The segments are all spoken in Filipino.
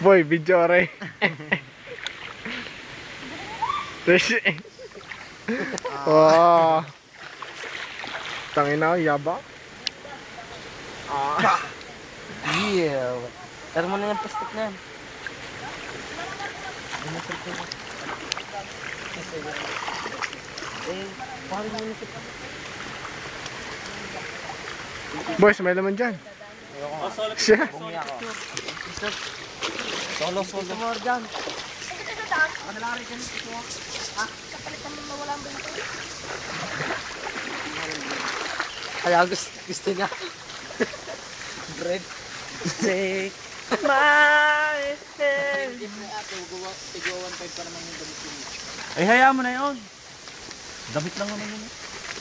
Boy, video rin. Wow. Tangina, yaba. Yeah. Tara mo na yung plastic na yan. Parang mo na siya. Boys, may laman dyan. Siya. Solo. More dyan. Kadalari ka nito. Ha? Kapalitan mo na walang bento. Kaya gusto niya. Bread. Take my hand. Ay, hayaan mo na yun. Damit lang naman yun.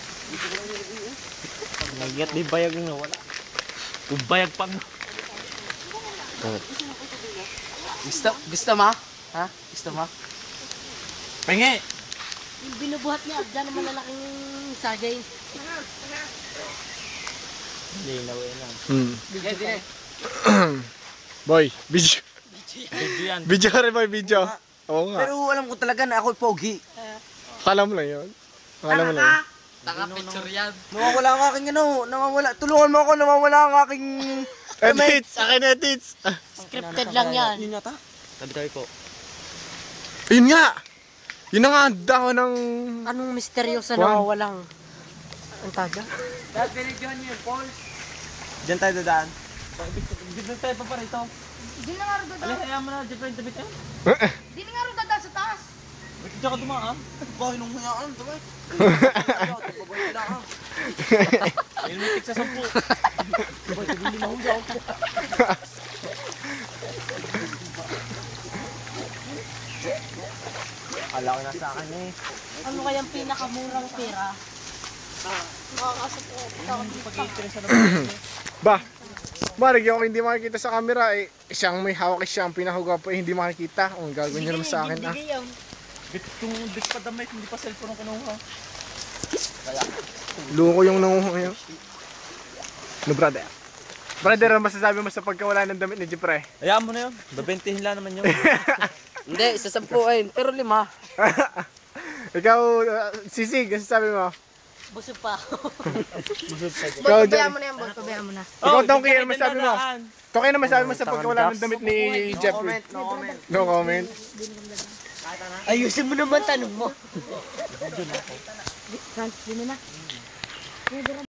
Nagyat di bayag na wala. Ubayag pang. Gusto ma? Ha? Gusto ma? Pengi! Yung binubuhat niya, dyan naman lalaking sagay. Hindi na wala. Boy, video. Video yan. Video rin boy, video. Oo nga. Pero alam ko talaga na ako'y pogi. Akala mo lang yun. Akala mo lang yun. Taka-picture yan. Nawawala ang aking ano. Nawawala. Tulungan mo ako. Nawawala ang aking... Edits! Akin edits! Scripted lang yan. Yun yata. Tabi-tabi po. Ayun nga! Yun na nga ang dahon ng... Anong misteryoso Juan. na walang... Ang taga? Dad, binigyan niyo yung Paul. Diyan tayo dadaan. Dito tayo pa rito. Di na nga rin Alay, dadaan. hayaan mo na. Dito yung tabi tayo. Di na nga rin dadaan sa taas. Ba't diyan ka dumaan? Bahay nung hayaan. Sabay. Babahay na ka. Ayun may tig sa 10. Sabay, hindi mahugaw ko. Kala ko na sa akin eh. Ano kayang pinakamurang pera? Ba? Marig yung hindi makikita sa camera eh. Siyang may hawak siyang pinahuga pa eh, hindi makikita. Ang gagawin niyo naman sa akin ah. Kung bit pa damit, hindi pa cellphone ang kinuha. Luko yung nanguha ngayon. No brother. Brother, ano masasabi mo sa pagkawala ng damit ni Jepre? Hayaan mo na yun. Babentihin lang naman yun. Hindi, isa 10 pero 5. Ikaw, Sisig, ano sabi mo? Busog pa ako. Ikaw, Pabayaan mo na yan, boy. Pabayaan mo na. Ikaw, Oh, Tongki, hindi ano ka masabi mo? dadaan. Tongki, ano masabi mo sa pagkawala ng damit ni Jeffrey? No comment. No comment. Ayusin mo naman tanong mo. Franz, yun na.